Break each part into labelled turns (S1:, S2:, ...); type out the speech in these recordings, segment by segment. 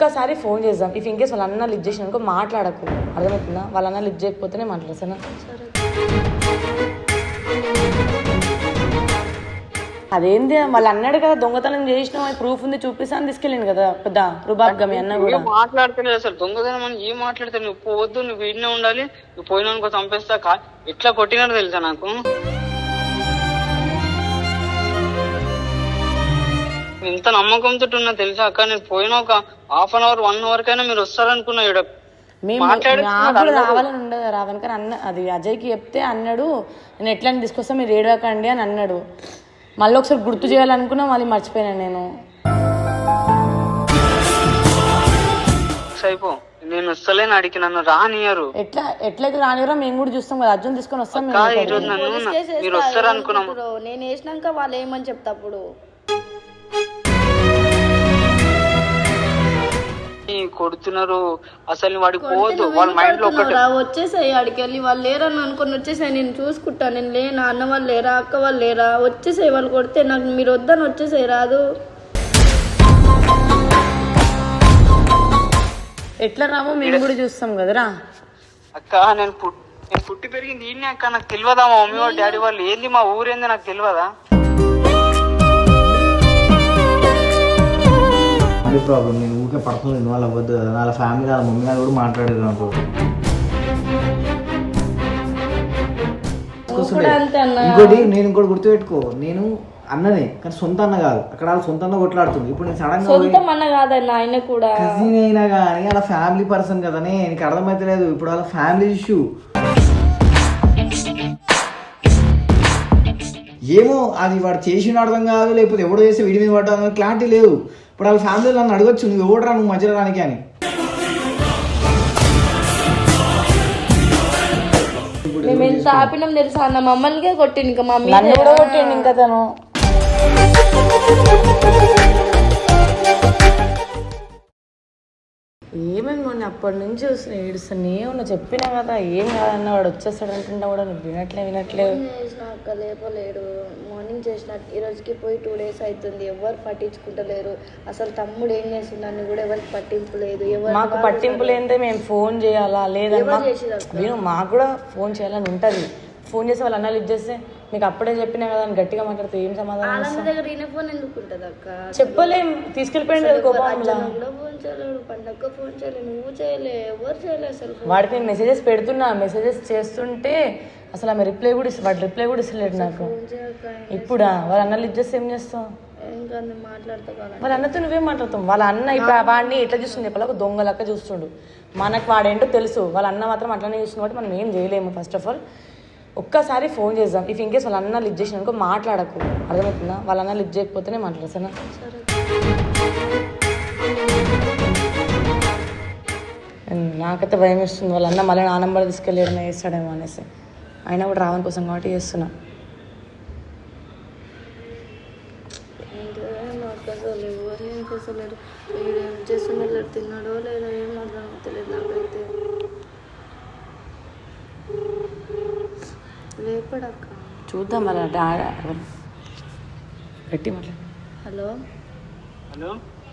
S1: ఒక్కసారి ఫోన్ చేద్దాం. If in case వాళ్ళ అన్న లిఫ్ట్ చేసిన అనుకో మాట్లాడకు, అర్థమవుతుందా? వాళ్ళ అన్న లిఫ్ట్ చేయకపోతేనే మాట్లాడతాను. అదేంది వాళ్ళు అన్నాడు కదా దొంగతనం చేసినావు, ప్రూఫ్ ఉంది చూపిస్తా అని తీసుకెళ్ళింది కదా పెద్ద రుబాబ్గా మీ అన్న కూడా.
S2: మాట్లాడతలేదు అసలు, దొంగతనం అని ఏం మాట్లాడతాను? నువ్వు పోవద్దు, నువ్వు వీడినే ఉండాలి, నువ్వు పోయినానుకో చంపేస్తా. ఎట్లా కొట్టినాడు తెలుసా నాకు. ఇంత నమ్మకంతో ఉన్నా తెలుసా అక్క. నేను పోయిన ఒక హాఫ్ అన్ అవర్ 1 hour కైనా మీరు వస్తారనుకున్నా.
S1: రావాలని ఉండదు రావని, కానీ అన్న అది అజయ్కి చెప్తే అన్నాడు నేను ఎట్లా తీసుకొస్తా మీరు ఏడవకండి అని అన్నాడు. మళ్ళీ ఒకసారి గుర్తు చేయాలనుకున్నా, మళ్ళీ మర్చిపోయాను నేను.
S2: అయిపో నేను వస్తలేని అడిగి నన్ను రానియరు.
S1: ఎట్లయితే రానియరో మేము కూడా చూస్తాం కదా, అర్జున్ తీసుకొని వస్తాం.
S2: మీరు వస్తారు అనుకున్నాం.
S3: నేను వేసినాక వాళ్ళు ఏమని చెప్తాప్పుడు
S2: కొడుతున్నారు అసలు. వాడికి పోవద్దు, వాళ్ళ మైండ్ లో ఒకటి
S3: వచ్చేసాయి. ఆడికి వెళ్ళి వాళ్ళు లేరని అనుకుని వచ్చేసాయి. నేను చూసుకుంటా, నేను లేనా, అన్న వాళ్ళు లేరా, అక్క వాళ్ళు లేరా, వచ్చేసాయి. వాళ్ళు కొడితే నాకు మీరు వద్దని వచ్చేసాయి. రాదు
S1: ఎట్లా రామో మేము కూడా చూస్తాం కదరా
S2: అక్క. నేను పుట్టి పెరిగింది ఈయనే అక్క. నాకు తెలియదా మా మమ్మీ వాళ్ళ డాడీ వాళ్ళు ఏంది, మా ఊరేంది నాకు తెలియదా?
S4: ప్రాబ్లం నేను ఊరికే పర్సనల్ ఇన్వాల్వ్ అవ్వద్దు కదా. వాళ్ళ ఫ్యామిలీ వాళ్ళ మమ్మీ గారు కూడా మాట్లాడేది నాకు. ఇంకోటి నేను ఇంకోటి గుర్తుపెట్టుకో, నేను అన్ననే కానీ సొంత అన్న కాదు. అక్కడ వాళ్ళ సొంత అన్న కొట్లాడుతుంది. ఇప్పుడు నేను సడన్
S3: గా ఆయన కూడా
S4: కజిన్ అయినా కానీ వాళ్ళ ఫ్యామిలీ పర్సన్ కదనే, నీకు అర్థమైతే లేదు. ఇప్పుడు వాళ్ళ ఫ్యామిలీ ఇష్యూ ఏమో, అది వాడు చేసిన అర్థం కాదు, లేకపోతే ఎవడో చేస్తే వీడి మీద పడ్డా క్లారిటీ లేదు. ఇప్పుడు వాళ్ళ ఫ్యామిలీలో నన్ను అడగచ్చు, నువ్వు ఎవడరా నువ్వు మధ్యలో రానికి అని.
S3: మేము ఎంత ఆపినాం తెలుసా అన్న, మమ్మల్నికే కొట్టింది. ఇంకా మమ్మీ
S1: కూడా కొట్టిండు ఇంకా తను. ఏమేమి అప్పటి నుంచి చూస్తున్నా ఏడుస్తానే ఉన్నా. చెప్పినా కదా ఏం కాదన్న, వాడు వచ్చేస్తాడు అంటుంటా కూడా నువ్వు వినట్లేదు.
S3: అక్క లేపలేడు. మార్నింగ్ చేసిన ఈ రోజుకి పోయి 2 days అవుతుంది. ఎవరు పట్టించుకుంటలేరు. అసలు తమ్ముడు ఏం చేసిందని కూడా ఎవరికి పట్టింపు లేదు.
S1: మాకు పట్టింపు లేదే మేము ఫోన్ చేయాలా లేదన్నా, నేను మాకు కూడా ఫోన్ చేయాలని ఉంటుంది. ఫోన్ చేసి వాళ్ళ అన్న లిఫ్ట్ చేస్తే మీకు అప్పుడే చెప్పినా కదా అని గట్టిగా మాట్లాడితే ఏం సమాధానం
S3: దగ్గర ఈయన ఫోన్ ఎందుకు ఉంటుంది అక్క?
S1: చెప్పలేం, తీసుకెళ్ళిపోయింది కదా కోపంలో.
S3: ఫోన్ చేయలేడు, పండగ ఫోన్ చేయలేదు, నువ్వు చేయలే, ఎవరు చేయలేదు అసలు.
S1: వాడికి నేను మెసేజెస్ పెడుతున్నా, మెసేజెస్ చేస్తుంటే అసలు ఆమె రిప్లై కూడా వాడు రిప్లై కూడా ఇస్తలేడు నాకు. ఇప్పుడా వాళ్ళ అన్న లిఫ్ట్ చేస్తే ఏం చేస్తావు? వాళ్ళ అన్నతో నువ్వేం మాట్లాడతావు? వాళ్ళ అన్న ఇప్పుడు వాడిని ఎట్లా చూస్తుంది చెప్పాలి, ఒక దొంగలక్క చూస్తుండు. మనకు వాడేంటో తెలుసు, వాళ్ళ అన్న మాత్రం అట్లనే చూస్తుంది కాబట్టి మనం ఏం చేయలేము. ఫస్ట్ ఆఫ్ ఆల్ ఒక్కసారి ఫోన్ చేద్దాం. ఇఫ్ ఇన్ కేస్ వాళ్ళ అన్న లిఫ్ట్ చేసిన అనుకో మాట్లాడకు, అర్థమవుతుందా? వాళ్ళ అన్న లిఫ్ట్ చేయకపోతేనే మాట్లాడతాను. నాకైతే భయం వేస్తుంది, వాళ్ళ అన్న మళ్ళీ నా నంబర్ తీసుకెళ్ళి వేస్తాడేమో అనేసి. అయినా కూడా రావని కోసం కాబట్టి చేస్తున్నా.
S3: తిన్నాడో లేదో ఏం అర్థం తెలియదు నాకైతే. లేపడక్క
S1: చూద్దాం మరి గట్టి మాట్లాడు.
S3: హలో
S2: హలో,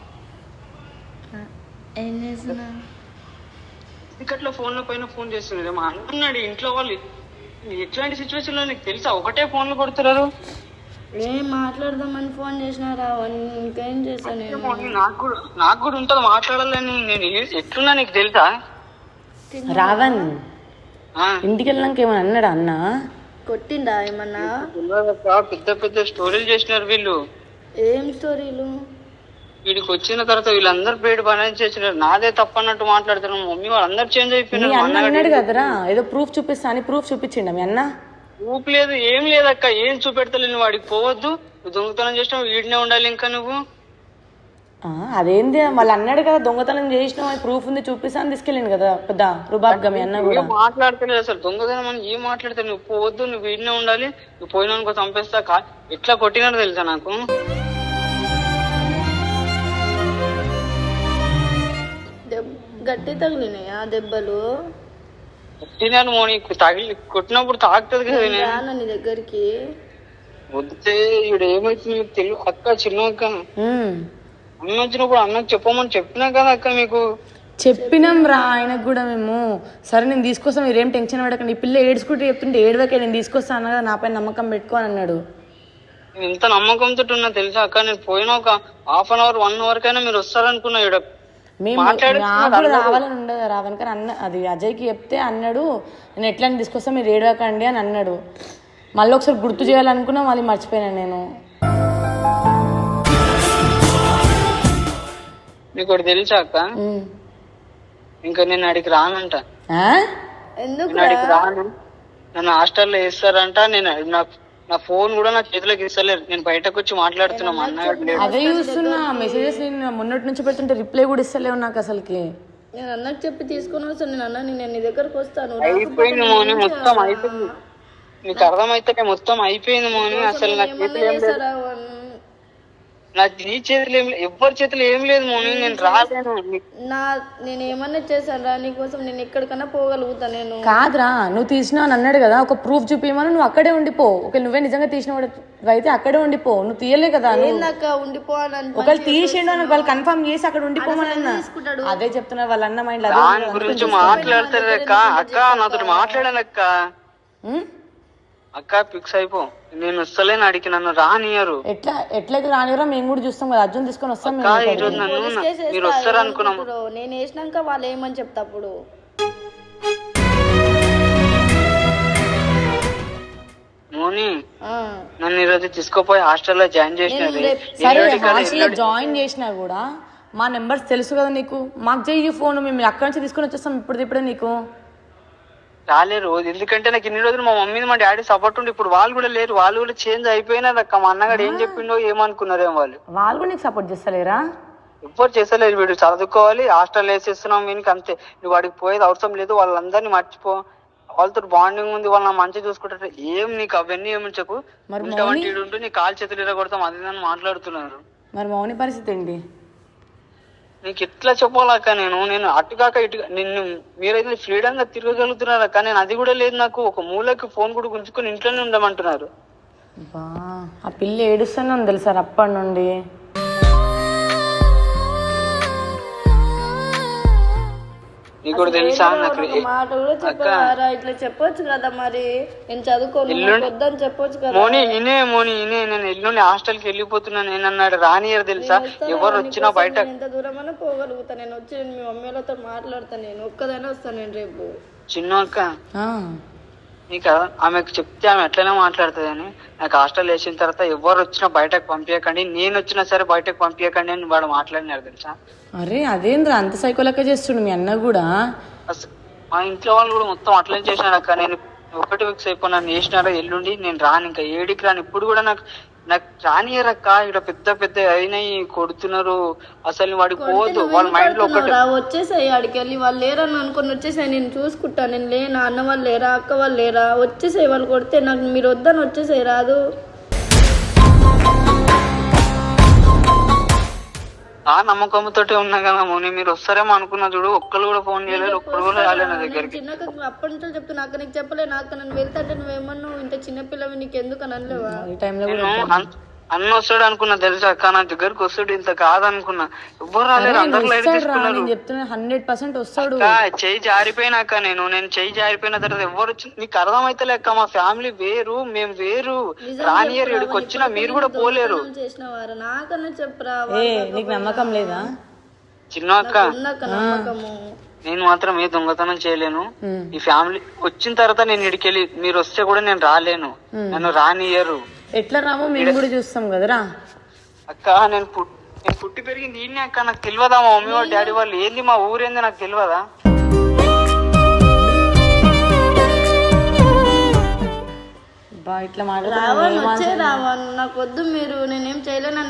S3: ఏం చేస్తున్నా?
S2: టికెట్లో ఫోన్లో పైన ఫోన్ చేస్తున్నారు. మా అన్నాడు ఇంట్లో వాళ్ళు ఎట్లాంటి సిచ్యువేషన్ లో నీకు తెలుసా? ఒకటే ఫోన్లు కొడుతున్నారు.
S3: ఏం మాట్లాడదామని ఫోన్ చేసినారా? ఇంకేం చేశాను?
S2: నాకు కూడా ఉంటుంది మాట్లాడాలని. నేను ఎట్లున్నా నీకు తెలుసా?
S1: రావణ్ ఇంటికి వెళ్ళినాక ఏమన్నా అన్నాడా అన్న?
S3: కొట్టిండా ఏమన్నా?
S2: పెద్ద పెద్ద స్టోరీలు చేసినారు వీళ్ళు.
S3: ఏం స్టోరీలు?
S2: వీడికి వచ్చిన తర్వాత వీళ్ళందరూ పేరు పని చేసినారు. నాదే తప్ప అన్నట్టు మాట్లాడుతున్నారు. మమ్మీ వాళ్ళందరూ చేంజ్ అయిపోయినారు.
S1: అన్నాడు కదరా ఏదో ప్రూఫ్ చూపిస్తా అని. ప్రూఫ్ చూపించిండ మీ అన్న?
S2: ప్రూఫ్ లేదు, ఏం లేదక్క. ఏం చూపెడతలేదు. వాడికి పోవద్దు, నువ్వు దొంగతనం చేసినావు, వీడినే ఉండాలి ఇంకా నువ్వు.
S1: అదేంది వాళ్ళు అన్నాడు కదా దొంగతనం చేసినావు, ప్రూఫ్ ఉంది చూపిస్తా అని తీసుకెళ్ళింది కదా పెద్ద రుబాబ్గా మీ అన్న కూడా.
S2: మాట్లాడతలేదు అసలు, దొంగతనం అని ఏం మాట్లాడతావు? నువ్వు పోవద్దు, నువ్వు వీడినే ఉండాలి, నువ్వు పోయినానుకో చంపేస్తా. ఎట్లా కొట్టినాడు తెలుసా నాకు.
S3: గట్టి తగిలినాయా దెబ్బలు?
S2: కొట్టినాను మోని, తగిలి కొట్టినప్పుడు తాకుతుంది కదా
S3: నీ దగ్గరికి.
S2: వద్దే ఇప్పుడు ఏమైతుంది తెలియదు అక్క, చిన్న అక్క. అన్న వచ్చినప్పుడు అన్నకు చెప్పమని చెప్పినా కదా అక్క మీకు.
S1: చెప్పినాం రా ఆయనకు కూడా మేము. సరే నేను తీసుకొస్తాను, మీరేం టెన్షన్ పడకండి. ఈ పిల్ల ఏడ్చుకుంటూ చెప్తుంటే ఏడవకే, నేను తీసుకొస్తాను అన్న కదా, నాపై నమ్మకం పెట్టుకో అని అన్నాడు.
S2: నేను ఎంత నమ్మకంతో ఉన్నా తెలుసా అక్క, నేను పోయిన ఒక 1/2 అవర్ 1 అవర్ కైనా మీరు వస్తారనుకున్నా. ఇక్కడ
S1: మేము నాకు కూడా రావాలని ఉండదు రావని, కానీ అన్న అది అజయ్కి చెప్తే అన్నాడు నేను ఎట్లా తీసుకొస్తా మీరు ఏడవకండి అని అన్నాడు. మళ్ళీ ఒకసారి గుర్తు చేయాలనుకున్నా, మళ్ళీ మర్చిపోయాను నేను.
S2: మీకు ఒకటి తెలుసా అక్క, ఇంకా నేను అడిగి రానంట.
S3: ఎందుకు
S2: నేను అడిగి రాను, నన్ను హాస్టల్లో వేస్తారంట. నేను నా ఫోన్ కూడా నా చేతిలోకి ఇస్తలేరు. నేను బయటకు వచ్చి మాట్లాడుతున్నా, మా అన్నయ్య
S1: అదే చూస్తున్నా మెసేజెస్. నేను మొన్నటి నుంచి పెడుతుంటే రిప్లై కూడా ఇస్తలేవు నాకు అసలుకి.
S3: నేను అన్నకు చెప్పి తీసుకొని వస్తాను. నేను అన్న నేను నీ దగ్గరకు వస్తాను.
S2: అయిపోయింది మోని, మొత్తం అయిపోయింది. నీకు అర్థమైతే మొత్తం అయిపోయింది మోని. అసలు నా చేతులు ఏం లేదు, నీ చేతులు ఏం లేదు, ఎవరి చేతులు ఏం లేదు మోని. నేను రాలేను.
S3: నేను ఏమన్నా చేశాను రా నీకోసం, నేను ఎక్కడికన్నా పోగలుగుతా. నేను
S1: కాదురా, నువ్వు తీసినావు అని అన్నాడు కదా, ఒక ప్రూఫ్ చూపించమని నువ్వు అక్కడే ఉండిపో. ఒకవేళ నువ్వే నిజంగా తీసినవాడు అయితే అక్కడే ఉండిపో. నువ్వు తీయలే కదా,
S3: ఉండిపో అని.
S1: ఒకవేళ తీసిండు అని వాళ్ళు కన్ఫర్మ్ చేసి అక్కడ ఉండిపోమని అన్నా. అదే చెప్తున్నారు వాళ్ళ అన్న మైండ్.
S2: దాని గురించి మాట్లాడతారు అక్క. అక్క నాతో మాట్లాడాను అక్క. అక్క ఫిక్స్ అయిపో, నేను వస్తలేను అడిగి, నన్ను రానియరు.
S1: ఎట్లయితే రానియరో మేము కూడా చూస్తాం కదా, అర్జున్ తీసుకొని వస్తాం.
S2: మీరు వస్తారు అనుకున్నాం.
S3: నేను వేసినాక వాళ్ళు ఏమని చెప్తా అప్పుడు.
S2: మోని నన్ను ఈరోజు తీసుకుపోయి హాస్టల్లో జాయిన్ చేసినది.
S1: సరే హాస్టల్లో జాయిన్ చేసినా కూడా మా నెంబర్స్ తెలుసు కదా నీకు. మాకు చెయ్యి ఫోన్, మేము అక్కడి నుంచి తీసుకొని వచ్చేస్తాం ఇప్పుడే నీకు.
S2: రాలేరు, ఎందుకంటే నాకు ఇన్ని రోజులు మా మమ్మీ మా డాడీ సపోర్ట్ ఉండి, ఇప్పుడు వాళ్ళు కూడా లేరు. వాళ్ళు కూడా చేంజ్ అయిపోయినారు అక్క. మా అన్నగాడు ఏం చెప్పిండో ఏమనుకున్నారేమో వాళ్ళు
S1: కూడా నీకు సపోర్ట్ చేస్తలేరా?
S2: ఎవ్వరు చేస్తలేరు. వీడు చదువుకోవాలి, హాస్టల్ వేసేస్తున్నాం వీనికి, అంతే. నువ్వు వాడికి పోయేది అవసరం లేదు, వాళ్ళందరినీ మర్చిపో, వాళ్ళతో బాండింగ్ ఉంది, వాళ్ళని మంచిగా చూసుకుంటారు. ఏం నీకు అవన్నీ ఏమి చెప్పు. ఉంటూ నీ కాలు చేతులు ఇరగొడతాం అది అని మాట్లాడుతున్నారు.
S1: మరి మౌని పరిస్థితి ఏంటి?
S2: నీకు ఎట్లా చెప్పాలక్క, నేను అటుకాక ఇటు నిన్ను మీరైతే ఫ్రీడమ్ గా తిరగగలుగుతున్నారు అక్క. నేను అది కూడా లేదు. నాకు ఒక మూలకి ఫోన్ కూడా గుంజుకొని ఇంట్లోనే ఉండమంటున్నారు.
S1: ఆ పిల్ల ఏడుస్తూనే ఉంది తెలుసా అప్పటి నుండి.
S2: నీకు కూడా తెలుసా
S3: మాట కూడా చెప్పారా? ఇట్లా చెప్పొచ్చు కదా, మరి నేను చదువుకోని చెప్పొచ్చు కదా.
S2: మోని నేను ఎల్లుండి హాస్టల్ కి వెళ్ళిపోతున్నాను నేనన్నాడు. రానియర్ తెలుసా, ఎవరు వచ్చినా బయట.
S3: ఎంత దూరమైనా పోగలుగుతా నేను. వచ్చి మీ మమ్మీలతో మాట్లాడతాను. నేను ఒక్కదైనా వస్తాను నేను రేపు.
S2: చిన్న అక్క నీకు ఆమెకు చెప్తే ఆమె ఎట్లనే మాట్లాడుతుంది అని. నాకు హాస్టల్ వేసిన తర్వాత ఎవరు వచ్చినా బయటకు పంపించకండి, నేను వచ్చినా సరే బయటకు పంపించకండి అని వాడు మాట్లాడినారు తెలుసా.
S1: అరే అదేంద్రా అంత సైకోలెక్క చేస్తుండు మీ అన్న కూడా.
S2: మా ఇంట్లో వాళ్ళు కూడా మొత్తం అట్లనే చేసినారు అక్క. నేను ఒకటి ఫిక్స్ అయిపోయి నన్ను వేసినారో ఎల్లుండి నేను రాను, ఇంకా ఏడికి రాను. ఇప్పుడు కూడా నాకు రానియరక్క. ఇక్కడ పెద్ద అయినాయి కొడుతున్నారు. అసలు వాడికి పోదు, వాళ్ళ మైండ్ లో ఒకటి.
S3: వచ్చేసాయి ఆడికి వెళ్ళి, వాళ్ళు లేరని అనుకుని వచ్చేసాయి. నేను చూసుకుంటా, నేను లేనా, అన్న వాళ్ళు లేరా, అక్క వాళ్ళు లేరా, వచ్చేసాయి. వాళ్ళు కొడితే నాకు మీరు వద్దని వచ్చేసాయి. రాదు
S2: ఆ నమ్మకంతో ఉన్నా కదా మోని. మీరు వస్తారేమో అనుకున్నా చూడు, ఒక్కరు కూడా ఫోన్ చేయలేదు, ఒక్కరు కూడా రాలేదు నా దగ్గరికి.
S3: చిన్నక అప్పటి నుంచి చెప్తున్నా అక్క, నీకు చెప్పలే నాకు నన్ను వెళ్తాంటే నువ్వేమన్నా ఇంత చిన్నపిల్లవి నీకు ఎందుకు అని అనలేవా?
S2: అన్న వస్తాడు అనుకున్నా తెలుసా అక్క. నా దగ్గరకు వస్తాడు, ఇంత కాదనుకున్నా. ఎవ్వరు రాలేదు, అందరూ లైట్ తీసుకున్నారు.
S1: 100% వస్తాడు.
S2: చెయ్యి జారిపోయినాక నేను చెయ్యి జారిపోయిన తర్వాత ఎవరు వచ్చి నీకు అర్థమైతే లేక. మా ఫ్యామిలీ వేరు, మేము వేరు. రానియర్ ఇక్కడికి వచ్చినా మీరు కూడా పోలేరు.
S3: నాకన్నా చెప్పరా,
S1: నీకు నమ్మకం లేదా?
S2: చిన్న అక్క నేను మాత్రం ఏ దొంగతనం చేయలేను. ఈ ఫ్యామిలీ వచ్చిన తర్వాత నేను ఇడికెళ్ళి మీరు వస్తే కూడా నేను రాలేను, నన్ను రానియరు.
S1: ఎట్లా రామో మేము కూడా చూస్తాం కదరా
S2: అక్క. నేను పుట్టి పెరిగింది ఈయనే అక్క. నాకు తెలియదా మా మమ్మీ వాళ్ళు డాడీ వాళ్ళు ఏంది, మా ఊరేంది నాకు తెలియదా?
S1: ఇట్లా
S3: నాకు వద్దు, మీరు నేనేం చేయలేను.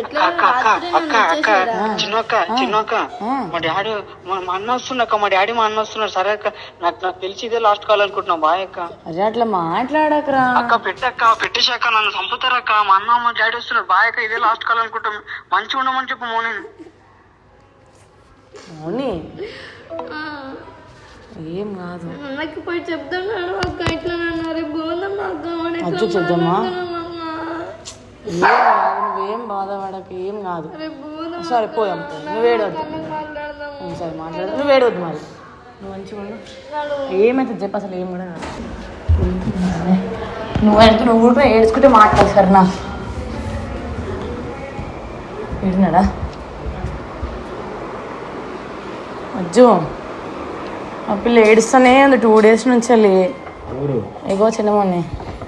S2: చిన్నక్క మా డాడీ మా అన్న వస్తున్నాక, మా డాడీ మా అన్న వస్తున్నారు. సరే అక్క, నాకు తెలిసి ఇదే లాస్ట్ కాల్ అనుకుంటున్నా. బాయ్ అక్క.
S1: అట్లా మాట్లాడకరా
S2: అక్క. పెట్టేశాక నన్ను చంపుతారక్క. మా అన్న మా డాడీ వస్తున్నారు. బాయ్ అక్క, ఇదే లాస్ట్ కాల్ అనుకుంటాం. మంచిగా ఉండమని చెప్పు మోని.
S1: ఏం కాదు,
S3: అన్నకి పోయి చెప్తున్నాడు అక్క. ఇట్లా అన్నారు బోధమ్మా
S1: చెప్తామా. నువ్వేం బాధపడక, ఏం కాదు. సరే పోదాం, నువ్వు ఏడవద్దు. సరే మాట్లాడదు, నువ్వు ఏడవద్దు. మరి నువ్వు మంచిగా ఉండు. ఏమైతుంది చెప్పు, అసలు ఏం కూడా కాదు. నువ్వు కూడా ఏడ్చుకుంటే మాట్లాడు సార్. నా ఏడినాడా అజ్జు? ఆ పిల్ల ఏడుస్తానే ఉంది 2 days నుంచి వెళ్ళి. ఎగో చిన్నమని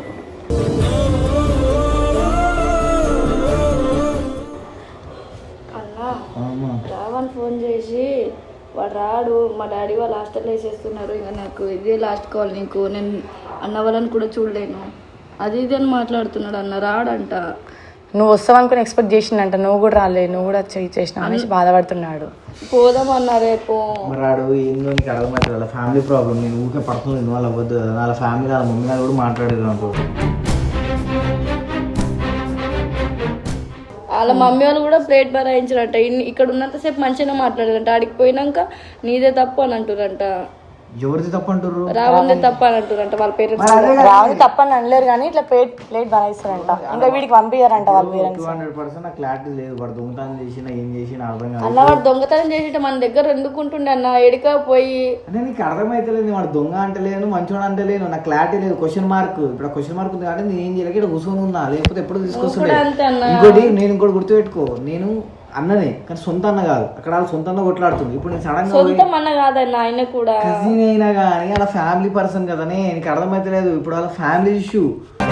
S3: రావని ఫోన్ చేసి వాడు రాడు, మా డాడీ వాళ్ళు హాస్టల్లో వేసేస్తున్నారు, ఇంకా నాకు ఇదే లాస్ట్ కాల్ నీకు, నేను అన్న వాళ్ళని కూడా చూడలేను అది ఇది అని మాట్లాడుతున్నాడు అన్న. రాడంట.
S1: నువ్వు వస్తావనుకుని ఎక్స్పెక్ట్ చేసిందంట, నువ్వు కూడా రాలే, నువ్వు కూడా చేసినావు అనేసి బాధపడుతున్నాడు.
S3: పోదామన్నా రేపు.
S4: రాడు ఏందో నీకు అర్థమవుతుంది. వాళ్ళ ఫ్యామిలీ ప్రాబ్లం, నేను ఊరికే పర్సనల్ ఇన్వాల్వ్ అవ్వద్దు కదా. వాళ్ళ ఫ్యామిలీ వాళ్ళ మమ్మీ వాళ్ళు కూడా మాట్లాడేది అనుకో.
S3: వాళ్ళ మమ్మీ వాళ్ళు కూడా ప్లేట్ భరాయించారంట. ఇక్కడ ఉన్నంతసేపు మంచిగా మాట్లాడారంట, ఆడికి పోయినాక నీదే తప్పు అని అంటారంట.
S4: ఎవరిది తప్పు అంటారు?
S3: రావుందే తప్పు అని అంటారంట వాళ్ళ పేరెంట్స్.
S1: రావు తప్పని అనలేరు కానీ ఇట్లా ప్లేట్ భరాయిస్తారంట, ఇంకా వీడికి పంపించారంట వాళ్ళ పేరెంట్స్.
S4: 200% నాకు క్లారిటీ లేదు. వాడు దొంగతనం చేసినా ఏం చేసినా అర్థం కాదు.
S3: అన్న వాడు దొంగతనం చేసి మన దగ్గర ఎందుకుంటుండే అన్న, ఎడికా పోయి.
S4: అంటే నీకు అర్థమైతలేదు, వాడు దొంగ అంటలేను, మంచోడు అంటలేను, నాకు క్లారిటీ లేదు. క్వశ్చన్ మార్క్, ఇప్పుడు క్వశ్చన్ మార్క్ ఉంది కాబట్టి నేను ఏం చేయలేక ఇక్కడ కూర్చొని ఉన్నా, లేకపోతే ఎప్పుడు తీసుకొస్తుండే. ఇంకోటి నేను ఇంకోటి గుర్తుపెట్టుకో, నేను అన్ననే కానీ సొంత అన్న కాదు. అక్కడ వాళ్ళు సొంత అన్న కొట్లాడుతుంది. ఇప్పుడు నేను సడన్
S3: సొంత అన్న కాదన్న, ఆయన కూడా
S4: కజిన్ అయినా కానీ వాళ్ళ ఫ్యామిలీ పర్సన్ కదనే. నీకు అర్థమైతలేదు. ఇప్పుడు వాళ్ళ ఫ్యామిలీ ఇష్యూ.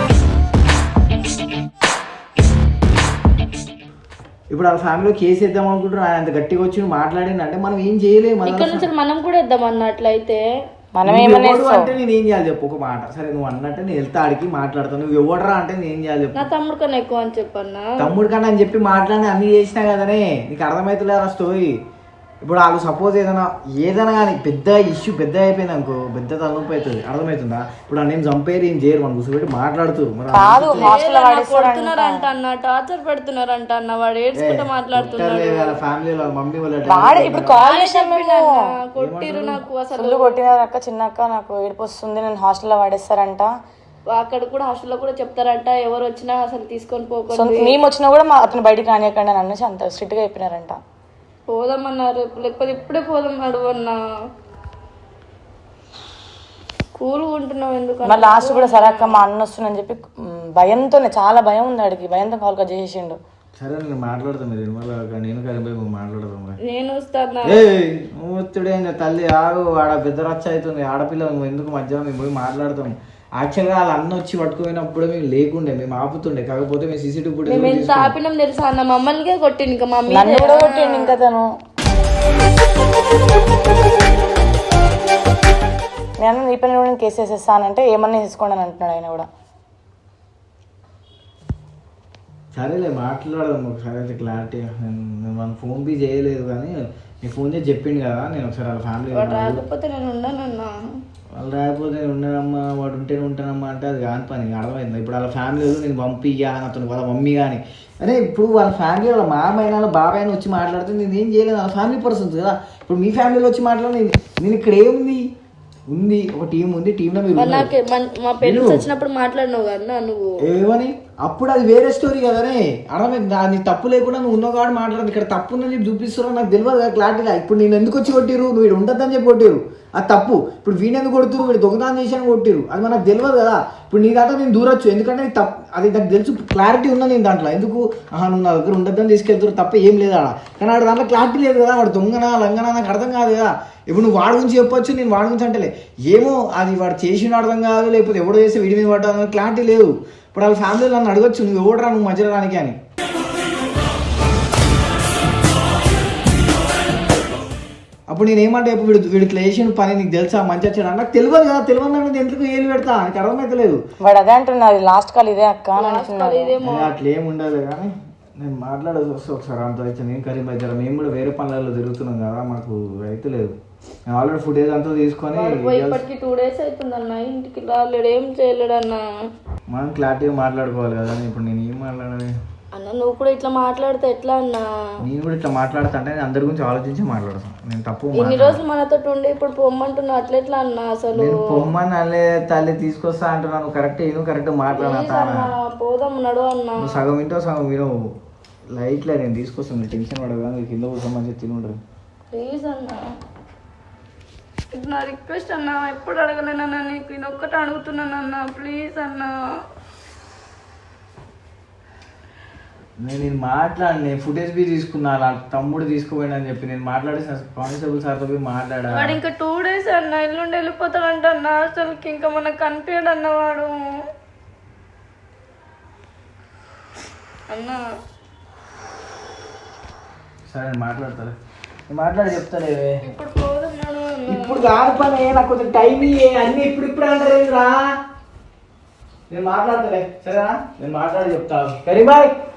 S4: ఇప్పుడు వాళ్ళ ఫ్యామిలీలో కేసు వేద్దాం అనుకుంటున్నారు. ఆయన అంత గట్టిగా వచ్చి మాట్లాడింది అంటే మనం ఏం చేయలేము.
S3: ఇక్కడ నుంచి మనం కూడా వేద్దాం అన్నట్లయితే
S1: మనం
S4: అంటే నేను ఏం చేయాలి చెప్పు ఒక మాట. సరే నువ్వు అన్నట్టే నేను వెళ్తా ఆడికి మాట్లాడతాను. నువ్వు ఎవడరా అంటే నేను ఏం చేయాలి చెప్పు.
S3: నా తమ్ముడు కన్నా ఎక్కువ అని చెప్పన్నా.
S4: తమ్ముడు కన్నా అని చెప్పి మాట్లాడి అన్ని చేసినా కదనే. నీకు అర్థమవుతలేదు ఆ స్టోరీ. ఇప్పుడు వాళ్ళు సపోజ్ ఏదైనా కానీ పెద్ద ఇష్యూ పెద్ద అయిపోయింది అనుకో, పెద్ద తలనొప్పి అవుతుంది. అర్థమవుతుందా? ఇప్పుడు నేను చంపేరు ఏం చేయరు, మనం కూర్చోబెట్టి మాట్లాడుతారు.
S3: కొడుతున్నారంట అన్న, టార్చర్ పెడుతున్నారంట అన్న, వాడు ఏడ్చుకుంటూ మాట్లాడుతున్నాడు.
S4: వాళ్ళ ఫ్యామిలీ వాళ్ళ మమ్మీ వాళ్ళ
S3: కొట్టిరు నాకు అసలు
S1: కొట్టినారు అక్క, చిన్నక్క నాకు ఏడుపు వస్తుంది, నేను హాస్టల్లో పడేస్తారంట.
S3: అక్కడ కూడా హాస్టల్లో కూడా చెప్తారంట, ఎవరు వచ్చినా అసలు తీసుకొని పోకుండా,
S1: మేము వచ్చినా కూడా అతను బయటికి రానియకండి అని అనేసి అంత స్ట్రిక్ట్ గా చెప్పినారంట.
S3: పోదామన్నారు, లేకపోతే ఇప్పుడే పోదామన్నాడు అన్న. కూల్గా ఉంటున్నావు ఎందుకు?
S1: మరి లాస్ట్ కూడా సరే అక్క మా అన్న వస్తుందని చెప్పి భయంతోనే, చాలా భయం ఉంది ఆడికి, భయంతో కాల్ కట్ చేసేసిండు.
S4: సరే నేను మాట్లాడతాను, మీరు నేను కలిపి మాట్లాడతాం.
S3: నేను వస్తాను.
S4: వస్తుడే తల్లి ఆడు, ఆడ పెద్ద రచ్చ అవుతుంది. ఆడపిల్ల నువ్వు ఎందుకు మధ్యాహ్నం మేము పోయి మాట్లాడతాం. యాక్చువల్గా వాళ్ళ అన్న వచ్చి పట్టుకుపోయినప్పుడు మేము లేకుండే, మేము ఆపుతుండే. కాకపోతే మేము సీసీటీవీ ఫుటేజ్
S3: ఎంత ఆపినాం తెలుసా అన్న, మమ్మల్ని కొట్టింది. ఇంకా మమ్మీ
S1: కూడా కొట్టిండు. ఇంకా తను నేను నీ పని కూడా కేసు వేసేస్తానంటే ఏమన్నా వేసుకోండి అని అంటున్నాడు ఆయన కూడా.
S4: సరేలే మాట్లాడదాం ఒకసారి అయితే క్లారిటీ. నేను మన ఫోన్ బీ చేయలేదు కానీ నీకు ఫోన్ చేసి చెప్పిండు కదా. నేను ఒకసారి వాళ్ళ ఫ్యామిలీ
S3: రాకపోతే నేను ఉండనన్నా,
S4: వాళ్ళు రాకపోతే నేను ఉండనమ్మా, వాడు ఉంటేనే ఉంటానమ్మా అంటే అది కాని పని. అర్థమైంది. ఇప్పుడు వాళ్ళ ఫ్యామిలీలో నేను పంపియ్యా అని అతను వాళ్ళ మమ్మీ కానీ అరే ఇప్పుడు వాళ్ళ ఫ్యామిలీ వాళ్ళ మామయ్య వాళ్ళ బాబాయ్ అని వచ్చి మాట్లాడితే నేను ఏం చేయలేదు. వాళ్ళ ఫ్యామిలీ పర్సన్స్ కదా. ఇప్పుడు మీ ఫ్యామిలీలో వచ్చి మాట్లాడి నేను ఇక్కడ ఏముంది ఉంది, ఒక టీం ఉంది, టీంలో మీరు
S3: మా పేరెంట్స్ వచ్చినప్పుడు మాట్లాడినావు కదా నువ్వు
S4: ఏమని. అప్పుడు అది వేరే స్టోరీ కదనే. అర్థమైంది. దాన్ని తప్పు లేకుండా నువ్వు ఉన్నో కాదు మాట్లాడదు. ఇక్కడ తప్పు ఉందని చెప్పి చూపిస్తున్నావు, నాకు తెలియదు కదా క్లారిటీగా. ఇప్పుడు నేను ఎందుకు వచ్చి కొట్టిరు, నువ్వు ఇక్కడ ఉండద్దని చెప్పి కొట్టిరు, అది తప్పు. ఇప్పుడు వీణెందుకు కొడుతురు, వీడు దొంగతనం చేశాను కొట్టిరు, అది మనకు తెలియదు కదా. ఇప్పుడు నీ దాంట్లో నేను దూరొచ్చు, ఎందుకంటే తప్పు అది నాకు తెలుసు, క్లారిటీ ఉన్నా నేను దాంట్లో. ఎందుకు నువ్వు నా దగ్గర ఉండద్దని తీసుకెళ్తారు తప్ప ఏం లేదు ఆడ. కానీ ఆడ దాంట్లో క్లారిటీ లేదు కదా. వాడు దొంగనా లంగనా నాకు అర్థం కాదు కదా. ఇప్పుడు నువ్వు వాడి గురించి చెప్పొచ్చు, నేను వాడి గురించి అంటలే. ఏమో అది వాడు చేసిన అర్థం కాదు, లేకపోతే ఎవడో చేస్తే వీడి మీద పడ్డా క్లారిటీ లేదు. ఇప్పుడు వాళ్ళ ఫ్యామిలీలో నన్ను అడగచ్చు, నువ్వు ఎవడరా నువ్వు మధ్యలో రానికి అని. అప్పుడు నేను ఏమంటే ఇప్పుడు వీడికి లేచిన పని నీకు తెలుసా మంచి వచ్చాడు నాకు తెలియదు కదా. తెలియదు ఎందుకు ఏలు పెడతా నాకు అర్థమైతలేదు.
S1: వాడు అదే అంటున్నారు లాస్ట్ కాల్ ఇదే అక్క
S4: అట్లా ఏమి ఉండదు కానీ నేను మాట్లాడేది వస్తే ఒకసారి అంత అయితే నేను కరీంబాద్ మేము కూడా వేరే పనులలో తిరుగుతున్నాం కదా, మాకు అయితే లేదు. నేను ఆల్రెడీ ఫుటేజ్ అంతా తీసుకొని
S3: ఇప్పటికి 2 days అవుతుందన్న, ఇంటికి రాలేడు, ఏం చేయలేడు అన్న.
S4: మనం క్లారిటీగా మాట్లాడుకోవాలి కదా. ఇప్పుడు నేను ఏం మాట్లాడాలి
S3: అన్న? నువ్వు కూడా ఇట్లా మాట్లాడితే ఎట్లా అన్న?
S4: నేను కూడా ఇట్లా మాట్లాడుతా అంటే నేను అందరి గురించి ఆలోచించి మాట్లాడతాను. నేను తప్పు
S3: ఇన్ని రోజులు మనతో ఉండి ఇప్పుడు పొమ్మంటున్నా అట్లా ఎట్లా అన్న? అసలు
S4: పొమ్మని అల్లే తల్లి తీసుకొస్తా అంటున్నాను. కరెక్ట్ మాట్లాడతా
S3: పోదాం నడు అన్న.
S4: సగం వింటో సగం వినవు. లైట్లే నేను తీసుకొస్తాను, మీరు టెన్షన్ పడగా మీరు కింద కూర్చొని మంచిగా తినుండ్రు.
S3: ప్లీజ్ అన్న, ఇది నా రిక్వెస్ట్ అన్న, ఎప్పుడు అడగలేనన్నా నీకు, ఇది ఒక్కటి అడుగుతున్నానన్నా, ప్లీజ్ అన్న.
S4: నేను మాట్లాడి, నేను ఫుటేజ్ బి తీసుకున్నా, అలా తమ్ముడు తీసుకుపోయినని చెప్పి నేను మాట్లాడి కానిస్టేబుల్ సార్తో పోయి మాట్లాడా.
S3: వాడు ఇంకా 2 days అన్న, ఎల్లుండి వెళ్ళిపోతాడంట అన్న హాస్టల్కి, ఇంకా మనకు కనిపించడు అన్నవాడు అన్న.
S4: సరే నేను మాట్లాడతాను, నేను మాట్లాడి చెప్తానే.
S3: ఇప్పుడు పోతున్నాడు అన్న.
S4: ఇప్పుడు కాదు పని, నాకు కొంచెం టైం ఇయ్యే, అన్ని ఇప్పుడు అంటారేంద్రా. నేను మాట్లాడతాలే, సరేనా? నేను మాట్లాడి చెప్తాను. కరీబాయ్